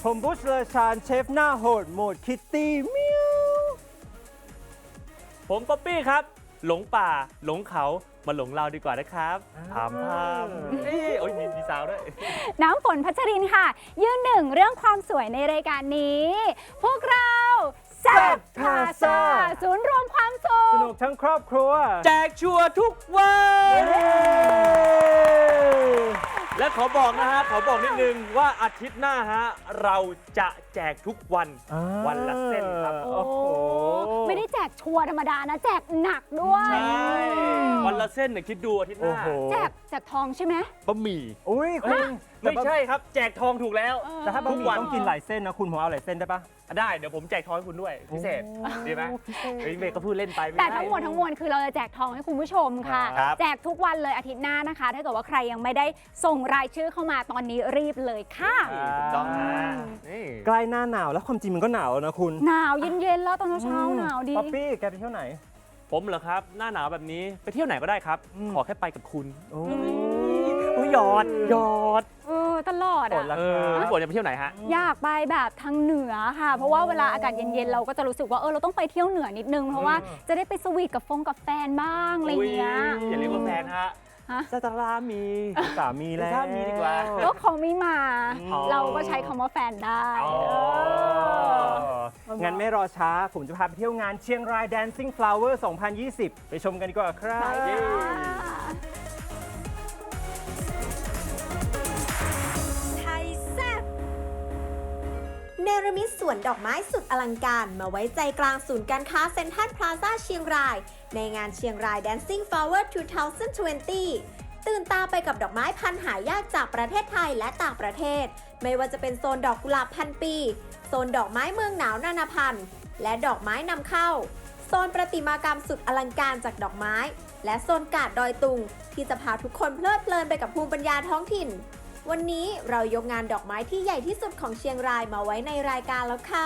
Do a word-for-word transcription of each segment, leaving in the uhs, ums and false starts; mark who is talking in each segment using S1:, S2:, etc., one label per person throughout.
S1: ผมบุชเลอชานเชฟหน้าโหดโหมดคิตตี้เมียว
S2: ผมป๊อปปี้ครับ หลงป่าหลงเขามาหลงเราดีกว่านะครับถามพามเอ้ยโอ้ยมีมีซาวด้วย
S3: น้ำฝนพัชรินค่ะ ยืนหนึ่งเรื่องความสวยในรายการนี้ พวกเราแซ่บพาซาศูนย์รวมความสุ
S1: ส
S3: ข
S1: นุกทั้งครอบครัว
S2: แจกชัวร์ทุกวัน และขอบอกนะฮะขอบอกนิดนึงว่าอาทิตย์หน้าฮะเราจะแจกทุกวัน
S1: อ่า
S2: วันละเส้นครับ
S3: โอ้
S1: โอ้โห
S3: ไม่ได้แจกชัวร์ธรรมดานะ แจกหนักด้วย
S2: ใช่วันละเส้นเนี่ยคิดดูอาทิตย์ห
S1: โอ้
S2: น้า
S1: โห
S3: แจกแจกทองใช่ไหม
S2: บะหมี่
S1: อุ้ยคุณ
S2: ไม่ใช่ครับ แจกทองถูกแล้ว
S1: แต่ถ้าบะห
S2: ทุ
S1: มี่
S2: กวัน
S1: ต้องกินหลายเส้นนะคุณผมเอาหลายเส้นได้ปะ
S2: ได้เดี๋ยวผมแจกทองให้คุณด้วยพิเศษดีไหม
S1: พิเศษ
S2: เฮ้ยเมย์ก็พูดเล่นไปไ
S3: แต่ทั้งหมดทั้งมวลคือเราจะแจกทองให้คุณผู้ชมค่ะ
S2: ครับ
S3: แจกทุกวันเลยอาทิตย์หน้านะคะ ถ้าเกิดว่าใครยังไม่ได้ส่งรายชื่อเข้ามาตอนนี้รีบเลยค่ะ
S2: ถูกต้องนะนี่
S1: ใกล้หน้าหนาวแล้วความจริงมันก็หนาวแล้วนะคุณ
S3: หนาวเย็นๆแล้วตอนเช้าๆหนาวดี
S1: ป๊อปปี้แกไปเที่ยวไหน
S2: ผมเหรอครับ หน้าหนาวแบบนี้ไปเที่ยวไหนก็ได้ครับ
S1: อืม
S2: ขอแค่ไปกับคุณ
S1: โอ้
S2: โอ้ยหยอดหยอด
S3: เออตลอด
S1: ฝ
S3: อ่ะ
S1: นละ
S2: เอ
S1: ค
S2: อ
S1: รับ
S2: พี่ฝนจะไปเที่ยวไหนฮะ
S3: อยากไปแบบทางเหนือค่ะ เพราะว่าเวลาอากาศเย็นๆเราก็จะรู้สึกว่าเออเราต้องไปเที่ยวเหนือนิดนึง เพราะว่าจะได้ไปสวีทกับฟงกับแฟนบ้างอะไรอย่างเงี้ย
S2: อุ๊อย่าเรียกว่าแฟนฮะ
S3: ฮะ
S2: ซาตารามี
S1: สามีแล้ว
S2: สามีดีกว่า
S3: ก็เขาไม่มา
S2: อ๋อ
S3: เราก็ใช้คำว่าแฟนได้
S2: อ๋อ
S3: เออ
S1: งั้นไม่รอช้า ผมจะพาไปเที่ยวงานเชียงราย Dancing Flower สองพันยี่สิบ ไปชมกันดีกว่าครับ
S3: ไปค่ะ
S4: ไทยแซ่บเนรมิตสวนดอกไม้สุดอลังการมาไว้ใจกลางศูนย์การค้าเซ็นทรัลพลาซ่าเชียงราย ในงานเชียงราย Dancing Flower สองพันยี่สิบ ตื่นตาไปกับดอกไม้พันธุ์หายากจากประเทศไทยและต่างประเทศ ไม่ว่าจะเป็นโซนดอกกุหลาบพันปี โซนดอกไม้เมืองหนาวนานาพันธุ์ และดอกไม้นำเข้า โซนประติมากรรมสุดอลังการจากดอกไม้ และโซนกาดดอยตุง ที่จะพาทุกคนเพลิดเพลินไปกับภูมิปัญญาท้องถิ่น วันนี้เรายกงานดอกไม้ที่ใหญ่ที่สุดของเชียงรายมาไว้ในรายการแล้วค่ะ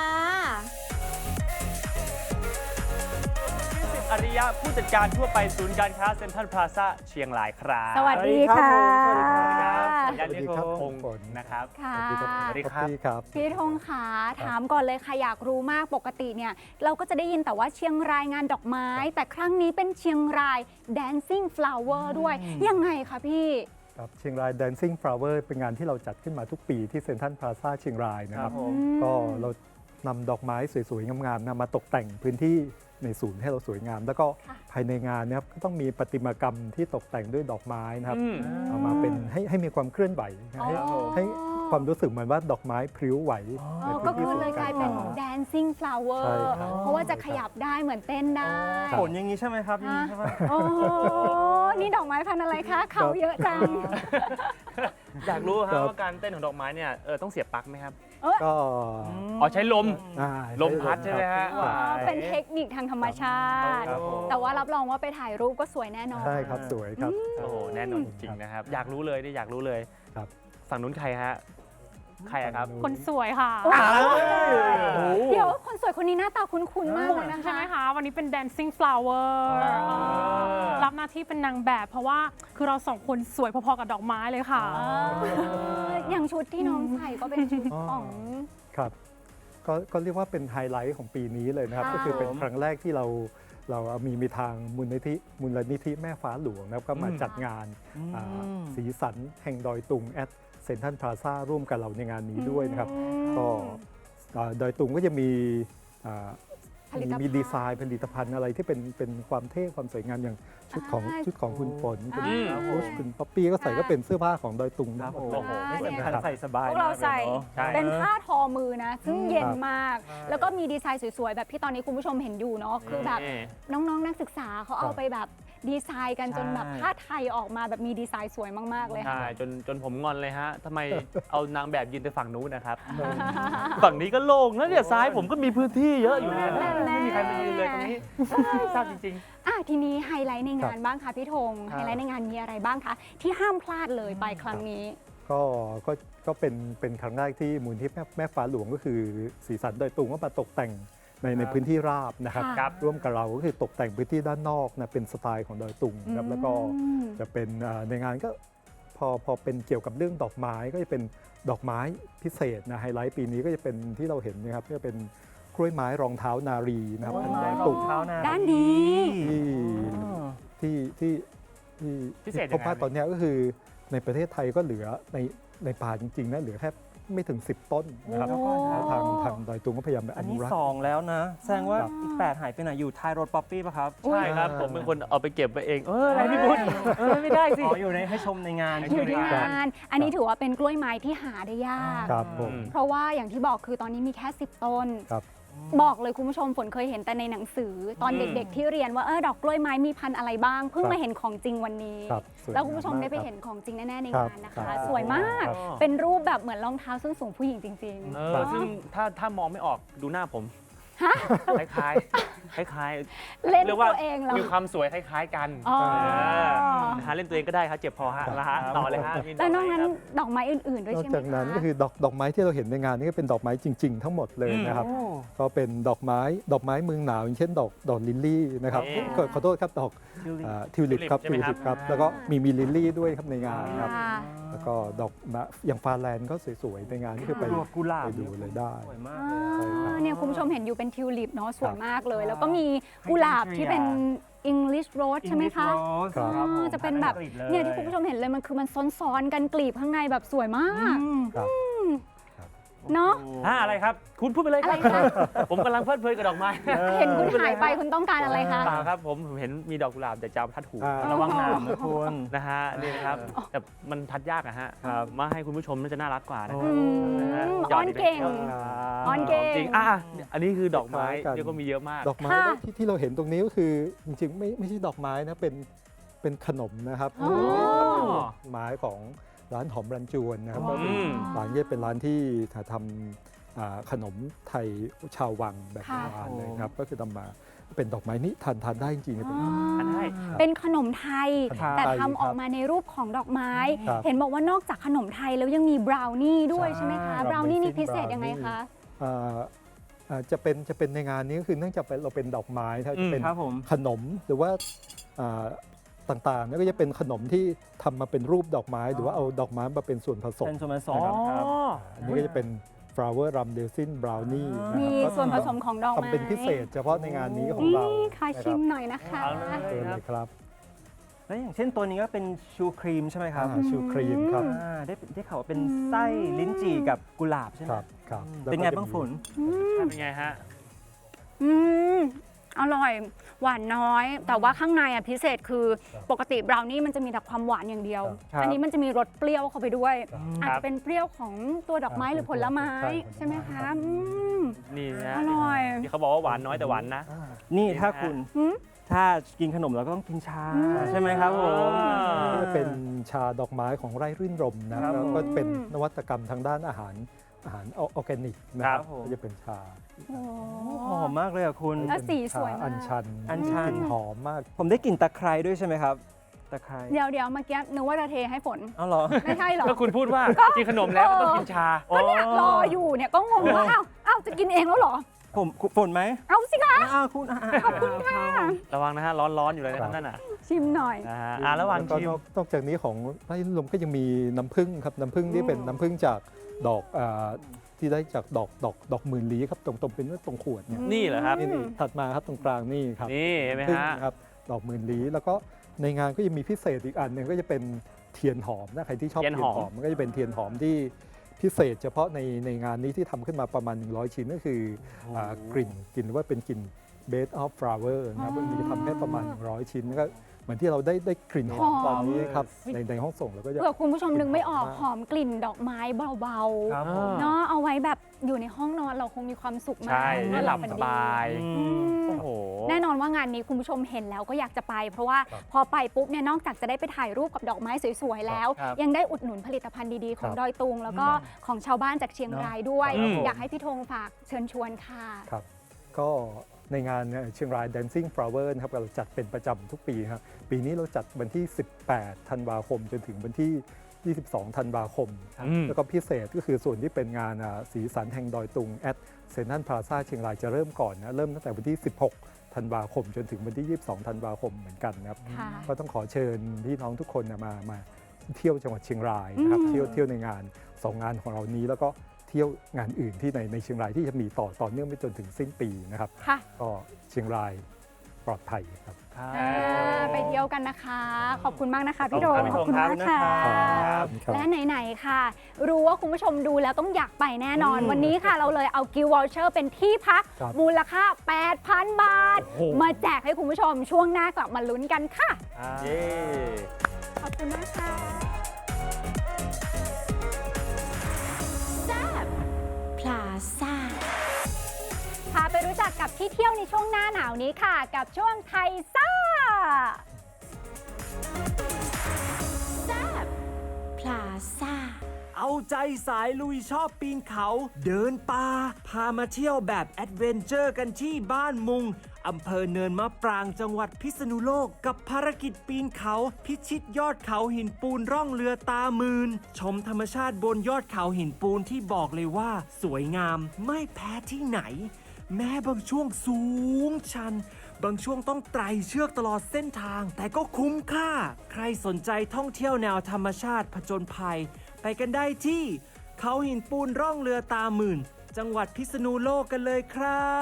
S2: อริยะผู้จัดการทั่วไปศูนย์การค้าเซ็นทรัลพลาซ่าเชียงรายครับ
S3: สวัสดีค่ะ
S1: สวัสดีครับ
S2: สัญญาณเรียก
S5: สวัสดีครับ
S2: พงศ์นะครับ
S3: ค่ะ
S2: สวัสดีครับ
S5: พี่ครับ
S3: พี่ธงขาถามก่อนเลยค่ะอยากรู้มากปกติเนี่ยเราก็จะได้ยินแต่ว่าเชียงรายงานดอกไม้ แต่ครั้งนี้เป็นเชียงราย Dancing Flower ด้วยยังไงคะพี่
S5: ครับเชียงราย Dancing Flower เป็นงานที่เราจัดขึ้นมาทุกปีที่เซ็นทรัลพลาซ่าเชียงรายนะครับ
S2: ครับผม
S5: ก็เรานำดอกไม้สวยๆ งามๆนะมาตกแต่งพื้นที่ในศูนย์ให้เราสวยงาม แล้วก็
S3: ค่ะ
S5: ภายในงานเนะครับก็ต้องมีประติมากรรมที่ตกแต่งด้วยดอกไม้นะครับ
S2: อืม
S5: เอามาเป็นให้ให้มีความเคลื่อนไหวนะให้
S3: อ๋อ
S5: ให้ความรู้สึกเหมือนว่าดอกไม้พลิ้วไหว
S3: อ๋
S5: ใน
S3: อ
S5: พื้
S3: ก็
S5: น
S3: คื
S5: ที่
S3: อ
S5: ศูน
S3: เลย
S5: ย์
S3: ก
S5: กา
S3: ลาย
S5: ร
S3: เป็น
S5: ค้า
S3: Dancing Flower
S5: ใช่ครับ
S3: เพราะว่าจะขยับได้เหมือนเต้นได้
S1: ผลอย่างนี้ใช่ไหมครับอย่างนี้ใช่ไหม
S3: โอ้โหนี่ดอกไม้พันธุ์อะไรคะเขาเยอะจัง
S2: อยากรู้ค
S5: ครั
S2: รับบ ว่าการเต้นของดอกไม้เนี่ยเออต้องเสียบปลั๊กไหมครับ
S5: ก็
S2: อ๋อใช้ลม
S5: อ่า
S2: ลมพัดใช่ไหมฮะ
S5: ครับ
S3: เป็นเทคนิคทางธรรมชาติ
S5: ครับผม
S3: แต่ว่ารับรองว่าไปถ่ายรูปก็สวยแน่นอน
S5: ใช่ครับสวยครับ
S2: โอ้โหแน่นอนจริงๆนะครับ อยากรู้เลยนี่อยากรู้เลย
S5: ครับ
S2: ฝั่งนู้นใครฮะ ใครอะครับ
S6: คนสวยค่ะ
S2: อ้าว
S3: เดี๋ยวคนสวยคนนี้หน้าตาคุ้นๆมากเลยนะคะ
S6: ใช่ไหมคะ วันนี้เป็น Dancing Flower
S2: อ๋อ
S6: รับหน้าที่เป็นนางแบบ เพราะว่าคือเราสองคนสวยพอๆกับดอกไม้เลยค่ะ
S3: เอออย่างชุดที่น้องใส่ก็เป็นชุด
S5: อ๋อ
S3: ของ
S5: ครับก็ก็เรียกว่าเป็นไฮไลท์ของปีนี้เลยนะครับ
S3: ค่ะ
S5: ก็คือเป็นครั้งแรกที่เราเรามีมีทางมูลนิธิมูลนิธิแม่ฟ้าหลวงนะครับก็มา
S2: อืม
S5: จัดงานอ่าสีสันแห่งดอยตุงแอดเซ็นทรัลพลาซ่าร่วมกับเราในงานนี้ด้วยนะครับ ก็อ่าดอยตุงก็จะมีอ่า
S3: ผลิตภัณฑ์
S5: มีดีไซน์ผลิตภัณฑ์อะไรที่เป็นเป็นความเท่ความสวยงามอย่างชุดของ
S3: อ่า
S5: ชุดของคุณฝนคุณ
S3: อ่า
S5: พุชคุณป๊อปปี้ก็ใส่ก็เป็นเสื้อผ้าของดอยตุง
S1: ค
S5: นะ
S1: รับผม
S2: โอ้โห
S1: สำคัญใส่สบาย
S3: พวกเราใส่
S1: มกลยเนอะ
S2: ใช่
S3: เป็นผ้าทอมือนะ ซึ่งเย็น
S5: ครับ
S3: มาก แล้วก็มีดีไซน์สวยๆ แบบที่ตอนนี้คุณผู้ชมเห็นอยู่เนาะคือแบบ
S2: นี่
S3: น้องๆ นักศึกษาเขาเอา
S5: ครับ
S3: ไปแบบดีไซน์กันจนแบบ
S1: ใช่
S3: ผ้าไทยออกมาแบบมีดีไซน์สวยมากๆเลย
S2: ใช่
S3: ค่ะ
S2: จนจนผมงอนเลยฮะทำไมเอานางแบบยืนไปฝั่งนู้นนะครับ ฝั่งนี้ก็โล่งแล้วเนี่ยซ้ายผมก็มีพื้นที่เยอะอยู่เนี่ย
S3: แน่
S2: ไม่มีใครมายืนเลยตรงนี้ทราบจริง
S3: อ่ะทีนี้ไฮไลท์ในงานบ้างค่ะพี่ธง
S2: ครับ
S3: ไฮไลท์ในงานมีอะไรบ้างคะที่ห้ามพลาดเลยไปครั้งนี้
S5: ก็ก็ก็เป็นเป็นครั้งแรกที่มูลที่แม่แม่ฟ้าหลวงก็คือสีสันดอยตุงก็มาตกแต่งในในพื้นที่ราบนะครับ
S3: ค่ะ
S2: ครับ
S5: ร่วมกับเราก็คือตกแต่งพื้นที่ด้านนอกนะเป็นสไตล์ของดอยตุงนะครับแล้วก็
S3: อืม
S5: จะเป็นอ่าในงานก็พอพอเป็นเกี่ยวกับเรื่องดอกไม้ก็จะเป็นดอกไม้พิเศษนะไฮไลท์ปีนี้ก็จะเป็นที่เราเห็นนะครับก็จะเป็นกล้วยไม้รองเท้านารีนะครับ
S1: กล้วย
S5: พัน
S1: ไม้
S5: ดอย
S1: ร
S5: ตุ
S1: อง งเท้านารี
S3: ด้านนี้
S5: ที่ที่ที่ที่
S2: พิเศษยังไง
S5: พบว่าตอนเนี้ยก็คือในประเทศไทยก็เหลือในในป่าจริงๆนะเหลือแค่ไม่ถึง สิบ ต้นนะครับ
S1: โอ้
S5: แล้วทางทางดอยตุงก็พยายามไป
S1: อั
S5: อน นุ
S1: นี้
S5: รักษ์
S1: สองแล้วนะ แสดงว่า
S5: ครับ
S1: อีกแปดหายไปไหนอยู่ท้ายรถป๊อปปี้ป่ะครับ
S2: ใช่ครับ ผมเป็นคนเอาไปเก็บไปเอง เอออะไรพี่พุทธเออไม่ได้สิ
S1: อ๋ออยู่ในให้ชมในงาน
S3: อ
S1: ใช่
S3: ยู่
S1: ไหม
S3: ที่
S1: ครับ
S3: งาน อันนี้ถือว่าเป็นกล้วยไม้ที่หาได้ยาก
S5: ครับผม
S3: เพราะว่าอย่างที่บอกคือตอนนี้มีแค่ สิบ ต้น
S5: ครับ
S3: บอกเลยคุณผู้ชมฝนเคยเห็นแต่ในหนังสือ ตอน
S2: อืม
S3: เด็กๆที่เรียนว่าเออดอกกล้วยไม้มีพันธุ์อะไรบ้าง เพิ่ง
S5: ครับ
S3: มาเห็นของจริงวันนี้
S5: ครับสย
S3: แล้วคุณผู้ชม
S5: งา
S3: ได้ไป
S5: ครับ
S3: เห็นของจริงแน่ๆใน
S5: ครับ
S3: งานนะ
S5: ครั
S3: คะ
S5: บ
S3: สวยมาก
S2: ครับ
S3: เป็นรูปแบบเหมือนรองเท้าส้นสูงผู้หญิงจริง
S2: เออซึ่งถ้าถ้ามองไม่ออกดูหน้าผม
S3: ฮะ
S2: คล้ายๆคล้าย
S3: ๆ เล่น
S2: เรียกว่า
S3: ตัวเองเหรอ
S2: มีความสวยคล้ายๆกัน
S3: อ๋อ
S2: เออนะฮะเล่นตัวเองก็ได้ครับเจ็บพอฮะนะฮะต่อเลยฮะมีด
S3: แล้ว
S2: ก
S3: นอก
S2: ไม้
S3: นั้น
S2: ครับ
S3: ดอกไม้อื่นๆด้วย
S5: นอก
S3: ใช่ไหม
S5: จากนั้น
S3: คะ
S5: ก็คือดอกดอกไม้ที่เราเห็นในงานนี้ก็เป็นดอกไม้จริง ๆ ทั้งหมดเลยนะครับ ก็เป็นดอกไม้ดอกไม้เมืองหนาวอย่างเช่นดอกดอกลิลลี่นะครับ
S2: นี่
S5: ขอขอโทษครับดอกทิวลิปครับ
S2: ทิวลิปใช่ไหมครับ
S5: ครับแล้วก็มีมีลิลลี่ด้วยครับในงานครับ
S3: ค่ะ
S5: แล้วก็ดอกมะอย่างฟาแลนด์ก็สวยๆในงานนี่คือไป
S1: ดอกกุหลาบ
S5: ไปดูเลยได้
S1: สวยมาก
S3: อ่
S1: เลย
S3: าเนี่ยคุณผู้ชมเห็นอยู่เป็นทิวลิปเนาะสวยมากเลย
S1: ครับ
S3: แล้วก็มีกุหลาบที่เป็น English Rose ใช่ไหมคะ
S1: English Rose
S5: ครับ
S1: ครับผม
S3: อ่าจะเป็นแบบ
S1: อักฤษล
S3: เนี่ยที่คุณผู้ชมเห็นเลยมันคือมันซ้อนๆกันกลีบข้างในแบบสวยมาก
S1: อืม
S5: ครับ
S3: เนาะ
S2: ฮะอะไรครับ คุณพูดไปเลยค
S3: อะไร
S2: รับ
S3: คะ
S2: ผมกำลังเพลิดเพลินกับดอกไม้
S3: เห็นคุณหายไปคุณต้องการอะไรคะ
S2: เปล่าครับผมผมเห็นมีดอกกุหลาบแต่จะเอาทัดหู
S5: อ่า
S1: ระวังหนามนะคุณ
S2: นะฮะนี่นะครับแต่มันทัดยากอะฮะ
S1: ครับ
S2: มาให้คุณผู้ชมน่าจะน่ารักกว่านะ
S1: โอ้
S2: ครับ
S3: อืม
S2: หยอ
S3: อ้
S2: ด
S3: อน
S2: อีก
S3: เก่ง
S2: แล้ว
S3: อ้อนเก่ง
S2: จริงอ่ะอันนี้คือดอกไม้
S5: คล้ายๆกัน
S2: เดี๋ยวก็มีเยอะมาก
S5: ดอกไม้
S3: ค่ะ
S5: ที่ที่เราเห็นตรงนี้ก็คือจริงๆไม่ไม่ใช่ดอกไม้นะเป็นเป็นขนมนะครับ
S3: อ๋อ
S5: เป็นไม้ของร้านหอมรันจวนนะครับ
S3: ว้าว
S5: ก็เป็นร้านนี้เป็นร้านที่ทำอ่าขนมไทยชาววังแบบโบราณเลยครับก็คือทำมาเป็นดอกไม้นี้ทานทานได้จริงๆเป็น
S2: อันได้
S3: เป็นขนมไทย
S5: ครับ
S3: แต่
S5: ไทย
S3: ทำออกมาในรูปของดอกไม้
S5: ครับ
S3: เห็นบอกว่านอกจากขนมไทยแล้วยังมีบราวนี่ด้วยใช่ไหมคะ
S5: ใช่
S3: บราวนี่นี่
S5: Amazing
S3: พิเศษยังไงคะ
S5: อ่าอ่าจะเป็นจะเป็นในงานนี้ก็คือเนื่องจากเป็นเราเป็นดอกไม้ถ้าจะเป็น
S1: ครับผม
S5: ขนมหรือว่าอ่าต่างๆเนี่ยก็จะเป็นขนมที่ทำมาเป็นรูปดอกไม้ หรือว่าเอาดอกไม้มาเป็นส่วนผสม
S1: เป็นส่วนผส
S2: อ๋อ
S1: มครับ
S5: อันนี้ก็จะเป็น flower rum resin brownie นะ
S3: มี
S5: ครับ
S3: ส่วนผสมของดอกไม้
S5: ทำเป็นพิเศษเฉพาะในงานนี้ของเรา
S3: นี่ค่ะ
S5: นะ
S3: ชิมหน่อยนะคะ
S2: เอาเลย
S5: เชิญเลยครับ
S1: แล้วอย่างเช่นตัวนี้ก็เป็นชูครีมใช่ไหมครับ
S5: อ่าชูครีมครับ
S1: อ่าได้ได้ข่าวว่าเป็นไส้ลิ้นจี่กับกุหลาบใช่ไหม
S5: ครับครับ
S1: อืม
S5: แล้ว
S1: เป็น
S5: ก็
S1: ไง
S5: จะ
S1: บ้าง
S5: มี
S1: ฝน
S2: เป็นไงฮะ
S3: อืมอร่อย หวานน้อย แต่ว่าข้างในอ่ะพิเศษคือปกติบราวนี่มันจะมีแต่ความหวานอย่างเดียว
S1: ครับ
S3: อันนี้มันจะมีรสเปรี้ยวเข้าไปด้วย อาจ
S2: ครั
S3: จะ
S2: บ
S3: เป็นเปรี้ยวของตัวดอกไม้หรือผลไม้
S5: ใช่
S3: ใช่ไหมคะอืม
S2: นี่นะ
S3: อร่อย
S2: ที่เขาบอกว่าหวานน้อยแต่หวานนะ
S1: นี่
S2: นี่
S1: ถ้า
S2: นะ
S1: คุณ
S3: หืม
S1: ถ้ากินขนมเราก็ต้องกินชา
S3: อืม
S1: ใช่ไหมครับผม
S2: อ่า
S5: นี่จะเป็นชาดอกไม้ของไร่รื่นรมย์นะครับ แล้วก็เป็นนวัตกรรมทางด้านอาหารอาหารออร์แกนิกนะครับ
S1: ครับผม
S5: ก็จะเป็นชา
S3: โอ้
S1: หอมมากเลยอ่ะคุณ
S3: แล้วสีสวยมาก
S5: อัญชัน
S1: อัญชัน
S5: กลิ่นหอมมาก
S1: ผมได้กลิ่นตะไคร้ด้วยใช่ไหมครับตะไคร้
S3: เดี๋ยวเดี๋ยวเมื่อกี้นึกว่าจะเทให้ฝน
S1: เอาเหรอ
S3: ไม่ใช่เหรอ
S2: ก็คุณพูดว่ากินขนมแล้วก็ต้องกินชา
S3: ก็เนี่ยรออยู่เนี่ยก็งงว่าอ้าวอ้าวจะกินเองแล้วเหรอ
S1: ผมฝนไหม
S3: เอาสิคะ
S1: อ้าวคุณขอบคุณค่ะ
S2: ระวังนะฮะร้อนๆอยู่เลยนะครับนั่นน่ะ
S3: ชิมหน่อย
S2: นะฮะอ่ะระหว่าง
S5: แล้วก็
S2: ชิม
S5: นอกนอกจากนี้ของไร่รื่นรมย์ก็ยังมีน้ำผึ้งครับน้ำผึ้งที่เป็นน้ำผึ้งจากดอกอ่าที่ได้จากดอกดอกดอกหมื่นลี้ครับตรงตรงเป็นตรงขวดเนี่ย
S2: นี่เหรอครับ
S5: นี่นี่ถัดมาครับตรงกลางนี่ครับ
S2: นี่เห็นไหม
S5: พึ่ง
S2: ฮะ
S5: ครับดอกหมื่นลี้แล้วก็ในงานก็ยังมีพิเศษอีกอันหนึ่งก็จะเป็นเทียนหอมนะใครที่ชอบ
S2: เที
S5: เที
S2: ย
S5: ย
S2: น
S5: น
S2: หอม
S5: หอมมันก็จะเป็นเทียนหอมที่พิเศษ เฉพาะในในงานนี้ที่ทำขึ้นมาประมาณหนึ่งร้อยชิ้นก็คืออ่ากลิ่นกลิ่นว่าเป็นกลิ่น bed of flower นะครับมันจะทำแค่ประมาณหนึ่งร้อยชิ้นก็เหมือนที่เราได้ได้กลิ่นหอม
S3: หอม
S5: ตอนนี้ครับในในห้องส่งเราก็จะ
S3: เผื่อคุณผู้ชมนึกไม่ออกหอมกลิ่นดอกไม้เบา
S1: ครับผม
S3: ๆเนาะเอาไว้แบบอยู่ในห้องนอนเราคงมีความสุขมาก
S2: ใช่
S3: น
S2: ได้
S3: อน
S2: หลับ
S3: ฝัน
S2: ส
S3: ดี
S2: บาย
S1: อื
S3: อื
S1: ม
S3: ม
S2: โอ้โห
S3: แน่นอนว่างานนี้คุณผู้ชมเห็นแล้วก็อยากจะไป เพราะว่าพอไปปุ๊บเนี่ยนอกจากจะได้ไปถ่ายรูปกับดอกไม้สวยๆแล้ว
S2: ครับ
S3: ยังได้อุดหนุนผลิตภัณฑ์ดีๆ ของ
S5: ครับ
S3: ดอยตุง แล้วก็ของชาวบ้านจากเชียงรายด้วย
S2: อืม
S3: อยากให้พี่ธงฝากเชิญชวนค่ะ
S5: ครับก็ในงานเนี่ยเชียงราย Dancing Flower นะครับเราจัดเป็นประจำทุกปีครับปีนี้เราจัดวันที่ สิบแปด ธันวาคม จนถึงวันที่ ยี่สิบสอง ธันวาคม
S2: อืม
S5: แล้วก็พิเศษก็คือส่วนที่เป็นงานอ่าสีสันแห่งดอยตุงแอดเซนทรัลพลาซ่าเชียงรายจะเริ่มก่อนนะเริ่มตั้งแต่วันที่ สิบหก ธันวาคม จนถึงวันที่ ยี่สิบสอง ธันวาคมเหมือนกันนะครับ
S3: ค่ะ
S5: ก็ต้องขอเชิญพี่น้องทุกคนนะมามาเที่ยวจังหวัดเชียงรายนะครับ
S3: อืม
S5: เที่ยวเที่ยวในงานสองงานของเรานี้แล้วก็เที่ยวงานอื่นที่ในในเชียงรายที่จะมีต่อต่อเนื่องไปจนถึงสิ้นปีนะครับ
S3: ค่ะ
S5: ก็เชียงรายปลอดภัยครับ
S2: ครับ
S3: อ่าไปเที่ยวกันนะคะ ขอบคุณมากนะคะพี่โด
S1: ขอบคุณครับ
S3: มากค่ะ
S1: ครับ
S5: ครับ
S3: และไหนๆค่ะ รู้ว่าคุณผู้ชมดูแล้วต้องอยากไปแน่นอน
S1: อืม
S3: วันนี้ค่ะเราเลยเอากิฟต์วอลเชอร์เป็นที่พัก
S5: ครับ
S3: มูลค่า แปดพัน บาท
S1: โอ้โห
S3: มาแจกให้คุณผู้ชมช่วงหน้ากลับมาลุ้นกันค่ะ
S1: เย้
S3: ขอบคุณมากค่ะ
S4: พลาซ่า
S3: พาไปรู้จักกับที่เที่ยวในช่วงหน้าหนาวนี้ค่ะ กับช่วงไทยซ่า
S4: พลาซ่า
S1: เอาใจสายลุยชอบปีนเขา เดินป่าพามาเที่ยวแบบแอดเวนเจอร์กันที่บ้านมุงอำเภอเนินมะปรางจังหวัดพิษณุโลกกับภารกิจปีนเขา พิชิตยอดเขาหินปูนร่องเรือตามืน ชมธรรมชาติบนยอดเขาหินปูนที่บอกเลยว่า สวยงามไม่แพ้ที่ไหน แม้บางช่วงสูงชัน บางช่วงต้องไต่เชือกตลอดเส้นทาง แต่ก็คุ้มค่า ใครสนใจท่องเที่ยวแนวธรรมชาติผจญภัย ไปกันได้ที่ เขาหินปูนร่องเรือตาหมื่น จังหวัดพิษณุโลกกันเลยครับ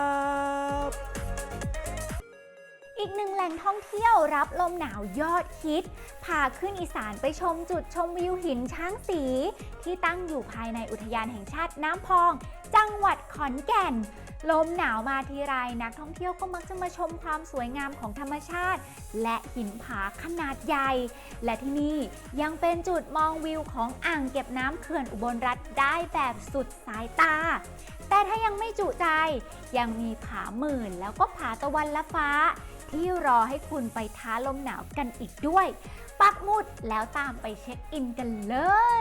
S3: อีกหนึ่งแหล่งท่องเที่ยวรับลมหนาวยอดฮิต พาขึ้นอีสานไปชมจุดชมวิวหินช้างสี ที่ตั้งอยู่ภายในอุทยานแห่งชาติน้ำพอง จังหวัดขอนแก่น ลมหนาวมาทีไรนักท่องเที่ยวก็มักจะมาชมความสวยงามของธรรมชาติ และหินผาขนาดใหญ่ และที่นี่ยังเป็นจุดมองวิวของอ่างเก็บน้ำเขื่อนอุบลรัตน์ได้แบบสุดสายตา แต่ถ้ายังไม่จุใจยังมีผาหมื่นแล้วก็ผาตะวันละฟ้า ที่รอให้คุณไปท้าลมหนาวกันอีกด้วย ปักหมุดแล้วตามไปเช็คอินกันเลย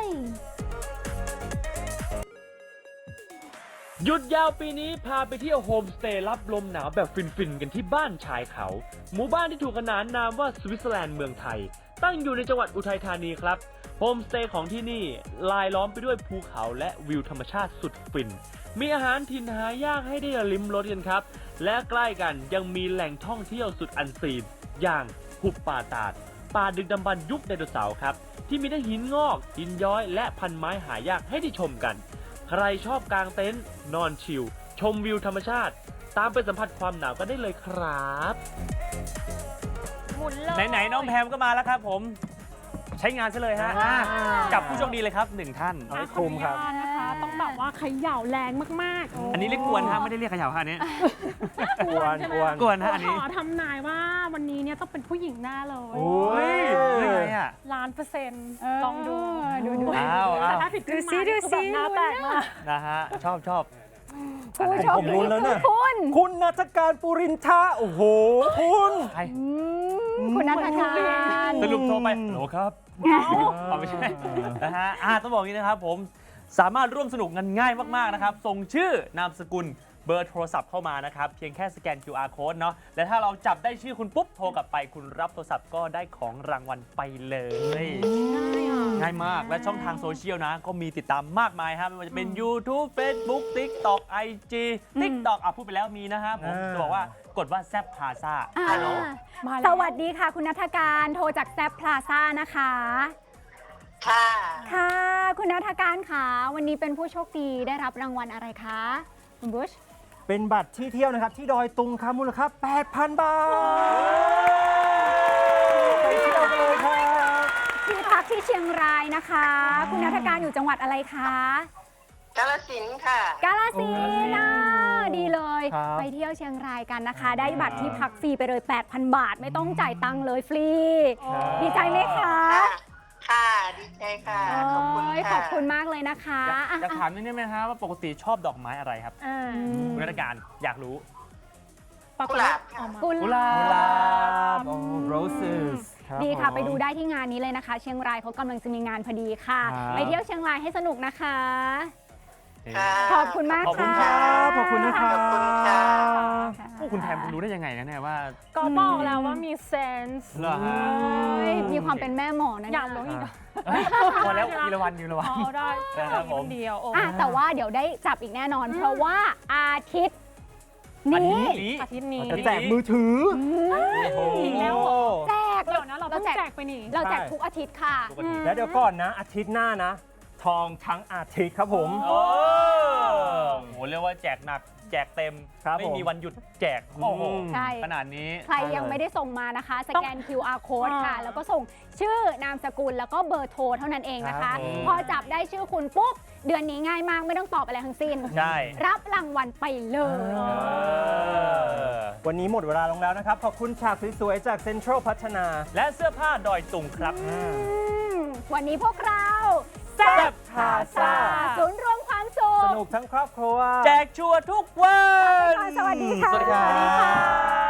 S2: หยุดยาวปีนี้พาไปเที่ยวโฮมสเตย์รับลมหนาวแบบฟินๆ กันที่บ้านชายเขา หมู่บ้านที่ถูกขนานนามว่าสวิตเซอร์แลนด์เมืองไทย ตั้งอยู่ในจังหวัดอุทัยธานีครับ โฮมสเตย์ของที่นี่ลายล้อมไปด้วยภูเขาและวิวธรรมชาติสุดฟิน มีอาหารถิ่นหายากให้ได้ลิ้มรสกันครับ และใกล้กันยังมีแหล่งท่องเที่ยวสุดอันซีน อย่างหุบป่าตาด ป่าดึกดำบรรพ์ยุคไดโนเสาร์ครับ ที่มีทั้งหินงอก หินย้อย และพันไม้หายากให้ได้ชมกัน ใครชอบกางเต็นท์นอนชิลชมวิวธรรมชาติ ตามไปสัมผัสความหนาวกันได้เลยครับ
S6: หมุนเลย
S2: ไหนๆน้องแพมก็มาแล้วครับผม ใช้งานซะเลยฮะอ่ะกับผู้โชคดีเลยครับหนึ่งท่าน
S1: เอาให้คุ้มครับ
S6: ขออนุญาตนะคะ ต้องแบบว่าเขย่าแรงมากๆ
S2: อันนี้เรียกกวนฮะไม่ได้เรียกเขย่าฮะอันนี้
S1: กวนกวน
S2: กวนฮะอันนี้
S6: ขอทำนายว่าวันนี้เนี่ยต้องเป็นผู้หญิงแน่เลย
S1: โอ้ย
S2: เรื่องไงอ่ะ
S6: ล้านเปอร์เซ็นต์
S3: เออ
S6: ลองดู
S3: ดูดู
S2: อ้าว
S6: แต่
S2: อ้าว
S6: ถ้าผิดขึ้นมา
S3: ดูสิ
S6: คือแบบหน้าแตกมาก
S2: นะฮะชอบชอบ
S3: ผู้โชค
S1: ผม
S3: ดี
S1: ลุ้นแล้วเนี่ย
S3: คุณ
S1: คุณนัทการปุรินทาโอ้โห คุณ
S2: ใคร
S3: อืมคุณนัทการ
S2: สรุปโทรไปโหลครับเอาไม่ใช่นะฮะอ่าต้องบอกอย่างนี้นะครับผมสามารถร่วมสนุกกันง่ายมากๆนะครับส่งชื่อนามสกุลเบอร์โทรศัพท์เข้ามานะครับเพียงแค่สแกน คิว อาร์ code เนาะและถ้าเราจับได้ชื่อคุณปุ๊บโทรกลับไปคุณรับโทรศัพท์ก็ได้ของรางวัลไปเลย ง่ายมากและช่องทางโซเชียลนะ ก็มีติดตามมากมายครับไม่ว่าจะเป็น YouTube Facebook TikTok ไอ จี TikTok อ่ะพูดไปแล้วมีนะครับผม
S1: อ่า
S2: จะบอกว่ากดว่าแซบพาซา
S3: อ่า
S2: ฮัลโหล
S6: มา
S3: ส
S6: แล้ว
S3: วัสดีค่ะ คุณนัทการโทรจากแซปพลาซ่านะคะ
S7: ค่ะ
S3: ค่ะ คุณนัทการค่ะ วันนี้เป็นผู้โชคดีได้รับรางวัลอะไรคะ คุณบุช
S1: เป็นบัตรที่เที่ยวนะครับ ที่ดอยตุงครับมูลค่า แปดพัน บาท ไปเที่ยวกันเลยครับ
S3: ที่พักที่เชียงรายนะคะ คุณนัทการอยู่จังหวัดอะไรคะ
S7: กาฬสินธุ์ค่ะ
S3: กาฬสินธุ์นะดีเลย
S1: ครับ
S3: ไปเที่ยวเชียงรายกันนะคะ ได้บัตรที่พักฟรีไปเลย แปดพัน บาท ไม่ต้องจ่ายตังค์เลยฟรี ดีใจไหมคะ
S7: ค่ะ ค่ะ ดีใจค่ะ ขอบคุณ
S3: โอ้ยข
S7: ค่ะ
S3: อบคุณมากเลยนะคะ
S2: อยาก
S3: อ่ะ
S2: อยากถามนิดนึงไหมครับว่าปกติชอบดอกไม้อะไรครับ
S6: อ่า
S3: อืม
S2: คุณนักการอยากรู้
S6: ปรากฏ
S7: กุหลา
S6: ว่า
S7: บค่ะ
S6: ออกมา
S3: กุห
S2: กุห
S3: ลา
S2: ลา
S3: บ
S1: โอ้ roses รับ
S3: ดีค่ะ
S1: ผม
S3: ไปดูได้ที่งานนี้เลยนะคะ เชียงรายเขากำลังจะมีงานพอดีค่ะ
S1: ครับ
S3: ไปเที่ยวเชียงรายให้สนุกนะคะ
S7: ค่ะ
S3: ขอบคุณมาก
S2: ขอบคุณ
S3: ค่ะ
S2: ครับ
S1: ขอบคุณนะครั
S7: ขอบคุณค่ะ
S1: บ
S2: โอ้คุณแพมคุณรู้ได้ยังไงนะเนี่ยว่า
S6: ก็บอกแล้วว่ามีเซนส์
S2: เหรอฮะ
S3: เอ้ยมีความเป็นแม่หมอนะ
S6: อยากรู้อีกเหรอ
S2: พอแล้วทีละวันทีละวัน
S6: อ๋อได้
S2: ครับผม
S6: เดียวโอ้
S3: อ่ะแต่ว่าเดี๋ยวได้จับอีกแน่นอน เพราะว่าอาทิตย์
S2: อัน
S3: นี้
S2: นี้
S6: อาทิตย์นี้
S1: จะแจกมือถือ
S3: อืม
S2: โอ้โห
S6: อีกแล้วเหรอ
S3: แจก
S6: เดี๋ยวนะเรา
S3: เรา
S6: แจกไปนี่
S3: เราแจกทุกอาทิตย์ค่ะ
S2: ทุกอาทิตย์
S1: แล้วเดี๋ยวก่อนนะ อาทิตย์หน้านะ ทองทั้งอาทิตย์ครับผม
S2: โอ้โหเรียกว่าแจกหนักแจกเต็ม
S1: ครับ
S2: ไม่
S1: ผม
S2: มีวันหยุดแจกโอ้โห
S3: ใช่
S2: ขนาดนี้
S3: ใครยังไม่ได้ส่งมานะคะ สแกน คิว อาร์ code ค่ะ แล้วก็ส่งชื่อนามสกุลแล้วก็เบอร์โทรเท่านั้นเองนะคะ
S2: ครับผม
S3: พอจับได้ชื่อคุณปุ๊บ เดือนนี้ง่ายมากไม่ต้องตอบอะไรทั้งสิ้น
S2: ใช่
S3: รับรางวัลไปเลย
S2: เออ
S1: วันนี้หมดเวลาลงแล้วนะครับ ขอบคุณฉากสวยๆจากเซ็นทรัลพัฒนา
S2: และเสื้อผ้าดอยตุงครับ
S3: อืมวันนี้พวกเรา
S2: แซ่บพาซ่า
S3: ศูนย์รวมความสุ
S1: ส
S3: ข
S1: นุกทั้งครอบครัว
S2: แจกชัวร์ทุกวัน
S3: สวัสดีค่ะ
S2: สวัสดีครับ